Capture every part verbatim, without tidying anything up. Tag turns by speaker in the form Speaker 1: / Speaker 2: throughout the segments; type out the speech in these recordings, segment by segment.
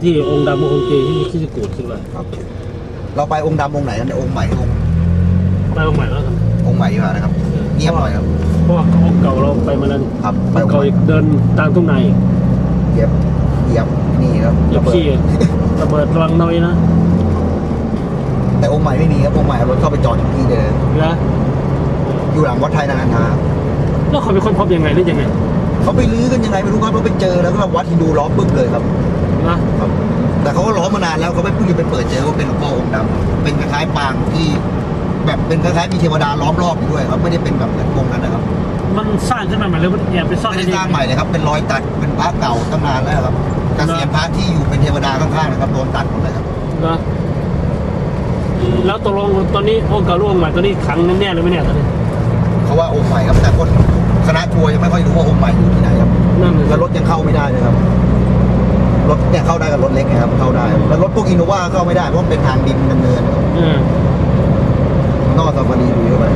Speaker 1: ที่องค์ดำองค์เจที่ที่จะกูดขึ้นมา
Speaker 2: เราไปองค์ดำองค์ไหนกันองค์ใหม่องค์
Speaker 1: ไปองค์ใหม่แล้วครับ
Speaker 2: องค์ใหม่ดีกว่านะครับเงียบหน่อยครับ
Speaker 1: เพราะว่าองค์เก่าเราไปมาแล้ว
Speaker 2: ครับ
Speaker 1: องค์เก่าอีกเดินตามทุ่งใน
Speaker 2: เหยียบเหยียบนี่ครับ
Speaker 1: เหยียบขี้ระเบิดระวังน้อยนะ
Speaker 2: แต่องค์ใหม่ไม่มีครับองค์ใหม่รถเข้าไปจอดอยู่ที่เดิม
Speaker 1: นะ
Speaker 2: อยู่หลังวัดไทยนานาทา
Speaker 1: แล้วเขาเป็นคนพบยังไงหรือยังไง
Speaker 2: เขาไปลื้อกันยังไงไม่รู้ครับเขาไปเจอแล้วก็วัดฮินดูล้อมปึ๊บเลยครับนะครับแต่เขาก็ล้อมมานานแล้วเขาไม่เพิ่งจะไปเปิดเจอว่าเป็นหลวงพ่อองค์ดำเป็นคล้ายๆปางที่แบบเป็นคล้ายๆมีเทวดาล้อมรอบอยู่ด้วยครับไม่ได้เป็นแบบเหมือนองค์นั้นนะครับ
Speaker 1: มันสร้างขึ้นมาใหม่เลยมันแอบไปซ่อน
Speaker 2: ไม่ได้สร้างใหม่เลยครับเป็นรอยตัดเป็นพระเก่าตั้งนานแล้วครับกระเสียนพระที่อยู่เป็นเทวดาข้างๆนะครับโดนตัดหมดเลยครับ
Speaker 1: นะแล้วตกลงตอนนี้องค์เก่าองค์ใหม่ตอนนี้ขังแน่ๆเลยไหมเนี่ยตอนนี้
Speaker 2: เขาว่าองค์ใหม่ครับแต่คนคณะทัวร์ยังไม่ค่อยรู้ว่าองค์ใหม่อยู่ที่ไหนครับแล้วรถยังเข้าไม่ได้เลยครับรถเนี่ยเข้าได้กับรถเล็กนะครับเข้าได้แล้วรถพวกอินโนวาเข้าไม่ได้เพราะเป็นทางดินดำเนินนอกซาฟารีดูเข้าไป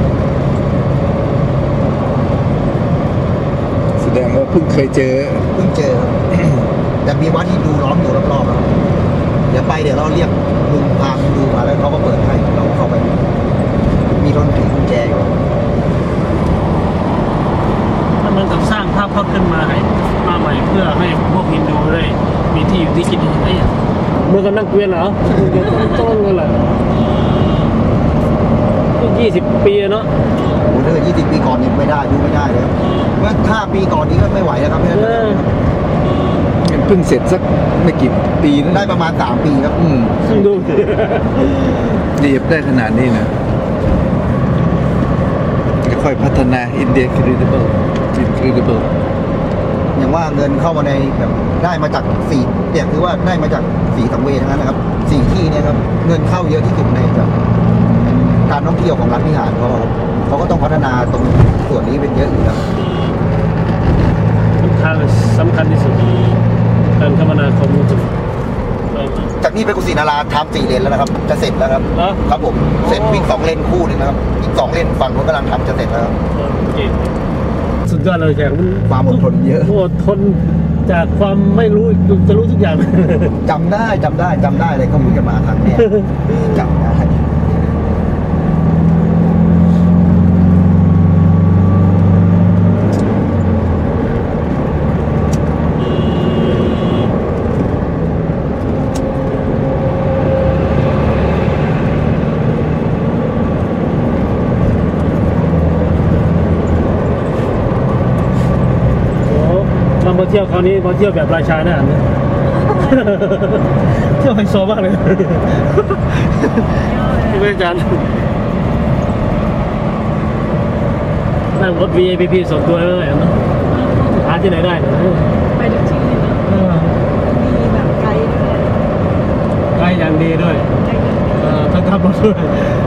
Speaker 3: แสดงว่าเพิ่งเคยเจอ
Speaker 2: เพิ่งเจอครับแต่มีวัดที่ดูล้อมอยู่รอบๆครับเดี๋ยวไปเดี๋ยวเราเรียกลุงพาดูมาแล้วเขาก็เปิดให้เราเข้าไปมีรถผีกุญแจอยู่
Speaker 1: มันเหมือนกับสร้างภาพพจน์ขึ้นมาให้มาใหม่เพื่อให้พวกฮินดูได้มีที่อยู่ที่กินอย่างไรเมื่อกันนั่งเกวียนเหรอต้องเงินแหละยี่สิบปีเนาะ
Speaker 2: โอ้ถ้าเกิดยี่สิบปีก่อนนี่ไม่ได้ดูไม่ได้เลยเมื่อห้าปีก่อนนี้ก็ไม่ไหวแล้วครับเนี่ย
Speaker 3: เพิ่งเสร็จสักไม่กี่ปีนะ
Speaker 2: ได้ประมาณสามปีครับ
Speaker 3: อืม
Speaker 1: ดู
Speaker 3: เรียบได้ขนาดนี้นะค่อยพัฒนาอินเดียครีดิเบิลครีดิเบิล
Speaker 2: อย่างว่าเงินเข้ามาในแบบได้มาจากสี่เนี่ยคือว่าได้มาจากสี่สังเวชทั้งนั้นนะครับสี่ที่เนี่ยครับเงินเข้าเยอะที่สุดในแบบการท่องเที่ยวของรัฐพิหารเขาเขาก็ต้องพัฒนาตรงส่วนนี้เป็นเยอะอยู่แล้ว
Speaker 1: สำคัญสำคัญที่สุดการคมนาคม
Speaker 2: จากนี้ไปกุศินาราทำสี่เลนแล้วนะครับจะเสร็จแล้วครับครับผมเสร็จวิ่งสองเลนคู่นึงนะครับอีกสองเลนฝั่งนู้นกำลังทำจะเสร็จแล้ว
Speaker 1: สุดยอดเลยแขกมัน
Speaker 2: ความอดทนเยอะ
Speaker 1: อดทนจากความไม่รู้จะรู้ทุกอย่าง
Speaker 2: จำได้จำได้จำได้เลยเขาพูดกันมาครั้งนี้จำได้
Speaker 1: มาเที่ยวคราวนี้มาเที่ยวแบบราชาเนี่ยเที่ยวไฮโซมากเลยที่ไม่อาจารย์นั่งรถ วี ไอ พี ส่วนตัวเลยนะหาที่ไหนได้
Speaker 4: ไปทุกที่เลยนะมีแบบไกด์ด้วย
Speaker 1: ไกด์อย่างดีด้วยทั้งขับรถด้วย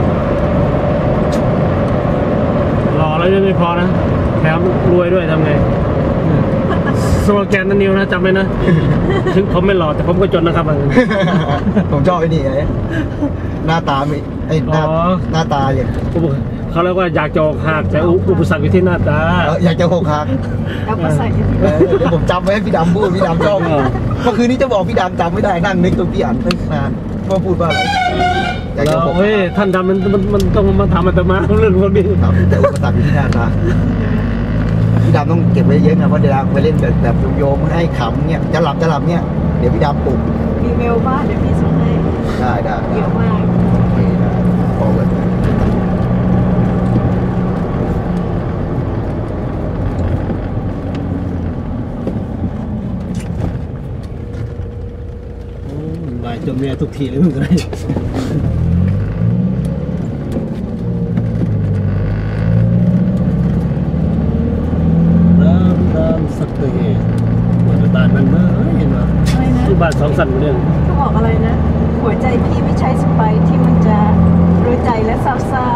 Speaker 1: รอแล้วยังไม่พอนะแถมรวยด้วยทำไงสโลแกนนั่นนิวนะจำไว้นะถึงผมไม่หล่อแต่ผมก็จนนะครับ
Speaker 2: ผมชอบไอ้นี่ไงหน้าตาไม่ไอ้หน้าหน้าตาอย่าง
Speaker 1: เขาเรียกว่าอยากจะอกหักแต่อุปสรรคอยู่ที่หน้าตา
Speaker 2: อยากจะอกหัก
Speaker 4: อุปสรรค
Speaker 2: เดี๋ยวผมจำไว้ให้พี่ดำพูดพี่ดำชอบเมื่อคืนนี้จะบอกพี่ดำจำไม่ได้นั่งนึกตัวพี่อ่านตั้งนานว่าพูดว่าอะไร
Speaker 1: แล้วเฮ้ยท่านดำมันมันมันต้องมาทำมันจะมาเรื่องพวกนี้
Speaker 2: แต่อุปสรรคอยู่ที่หน้าตาพี่ดำต้องเก็บไว้เยอะนะเพราะเดี๋ยวไปเล่นแบบแบบโยมให้ขำเนี่ยจะหลับจะหลับเนี่ยเดี๋ยวพี่ดำปลุก
Speaker 4: มีเมลบ้านเดี๋ยวพี่ส่งให้
Speaker 2: ได้ได้
Speaker 4: เยอะมาก
Speaker 2: โอเคได้พอเลย
Speaker 1: บายจนแม่ทุกทีเลยมึงก็ได้สักเลยเหมือนบ้านมันเมื่อเห็นไหมที่บ้านสองสันเรื่อง
Speaker 4: เขาบอกอะไรนะหัวใจพี่ไม่ใช่สไปที่มันจะรู้ใจและซาซา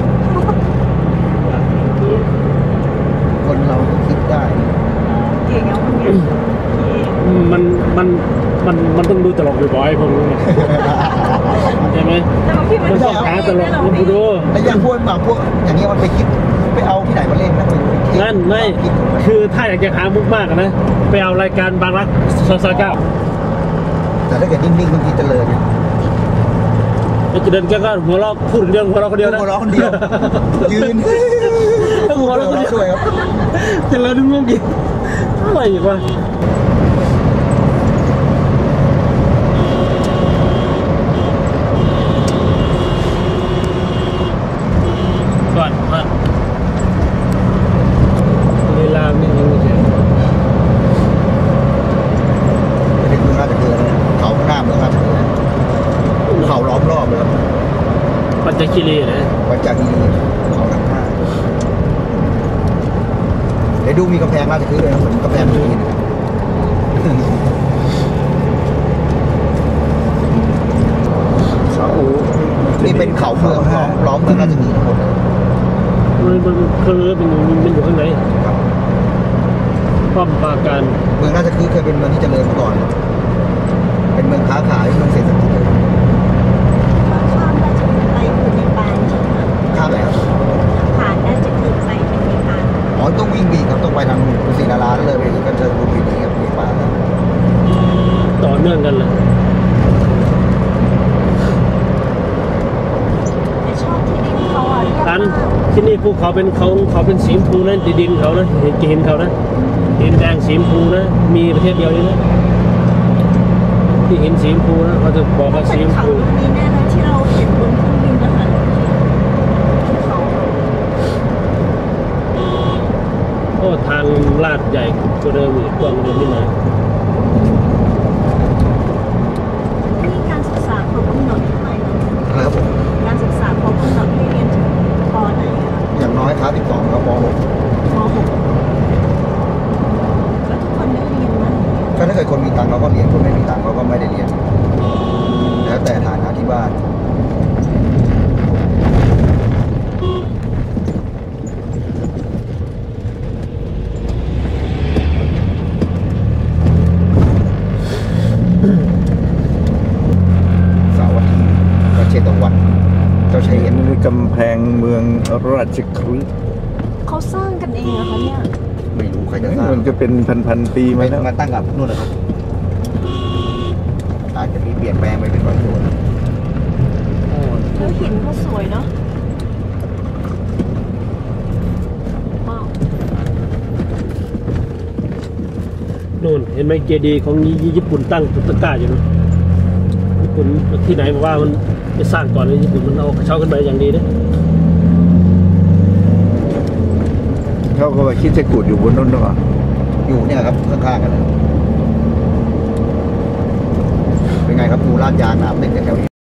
Speaker 2: คนเราคิดได้
Speaker 4: เก่งเอาคนเก่ง
Speaker 1: มันมันมันมันต้องดูตลกบ่อยๆผมใช่ไหมมันชอบหาตลกมันดู
Speaker 2: แต่อย่างพวกแบบพวกอย่างนี้มันไปคิดไปเอาที่ไหนมาเล่นนะ
Speaker 1: นั่นไม่คือถ้าอยากจะหามุกมากนะไปเอารายการบางรักซอยเก้า
Speaker 2: แต่ถ้าเกิดนิ่งๆบางทีเจริญเนี่ย
Speaker 1: จะเดินแกก็หัวเราะพูดเรื่องหัวเราะคนเดียวนะ
Speaker 2: หัวเราะคนเดียวยืน
Speaker 1: ต้องหัวเราะคนเดียว
Speaker 2: ด้วยครับ
Speaker 1: เจริญนึกงงกินอะไรอีกวะก่อนฮะเวลานี่ยังไม่ใช่
Speaker 2: จะถึงเมืองราชเกลือแล้วนะเขาข้างหน้าเมืองราชเกลือเขาล้อมรอบเลยครับ
Speaker 1: ปัจจคีรีนะ
Speaker 2: วัดจากนี้เขาข้างหน้าเดี๋ยวดูมีกำแพงราชเกลือด้วยนะเหมือนกำแพงเมืองจีนนะนี่เป็นเขาเมืองล้อมล้อมเมืองราชเกลือทั้งหมดเลย
Speaker 1: มันมันคือเป็นมันอยู่ข้างใน
Speaker 2: ครับ
Speaker 1: ป้อมปราการ
Speaker 2: เมืองราชคฤห์เคยเป็นเมืองที่เจริญมาก่อน เป็นเมืองค้าขายเมืองเศรษฐกิจเลย
Speaker 4: ข้ามราชบุรีไปคือในปานใช่ไหม
Speaker 2: ข้ามไหนครับ
Speaker 4: ผ่านราชบุรีไปเป็นในปาน
Speaker 2: อ๋อต้องวิ่งบีครับต้องไปทางกุศินาราเลยไปก็เจอรูปีนี้ครับมีป่าครับ
Speaker 1: ต่อเนื่องกันเลย
Speaker 4: แต่ชอบที่ดินเขาอ่ะเรียบ
Speaker 1: อัน
Speaker 4: มาก
Speaker 1: ที่นี่ภูเขาเป็นเขาเขาเป็นสีชมพูนะดินเขานะเห็นจะเห็นเขานะดินแดงสีชมพูนะมีประเทศเดียวนี้นะที่เห็นสีชมพูนะเขาจะบอกว่าสี
Speaker 4: เป็
Speaker 1: ช
Speaker 4: น
Speaker 1: ม
Speaker 4: เขา
Speaker 1: พู
Speaker 4: ลูกนี้แน่เลยที่เราเห็นบนเครื่องบินนะคะเป็นเขา
Speaker 1: โอ้ทางลาดใหญ่กว่าเดิมอีกกว้างกว่าเดิมนิดหน่อย
Speaker 4: นี่การศึกษาเขากำหนดทำไมเนาะ
Speaker 2: อะไรครับผม
Speaker 4: การศึกษาเขากำหนดให้เรียนถึงปไหนอะคะ
Speaker 2: อย่างน้อยคลาสสิบสองครับมหก
Speaker 4: มหกแล้วทุกคนได้เรียนไหม
Speaker 2: ก็ถ้าเกิดคนมีตังค์เขาก็เรียนคนไม่มีตังค์เขาก็ไม่ได้เรียน แล้วแต่ฐานะที่บ้านเสาร์อาทิตย์ก็เชตวันเจ้าชายเอ็น
Speaker 3: นี่กำแพงเมืองราชคฤห์
Speaker 4: เขาสร้างกันเองเหรอคะเนี่ย
Speaker 2: ไม่รู้ใครจะสร้าง
Speaker 3: มันจะเป็นพันๆปีมา
Speaker 2: ไม่
Speaker 3: แล้ว
Speaker 2: มาตั้งกับนู่นเลยครับอาจจะมีเปลี่ยนแปลงไปเป็นบางส่วน
Speaker 4: แล้วหินก็สวยเนาะว้าว
Speaker 1: นู่นเห็นไหมเจดีย์ของญี่ปุ่นตั้งตุตะกร้าอยู่นะญี่ปุ่นที่ไหนบอกว่ามันจะสร้างก่อนเลยญี่ปุ่นมันเอากระเช้าขึ้นไปอย่างดีนะ
Speaker 3: เขาก็ว่าคิดจะกูดอยู่บนนั้นหรอ
Speaker 2: อยู่เนี่ยครับข้างๆกันนะเป็นไงครับดูลาดยางหนามเด็กแถวนี้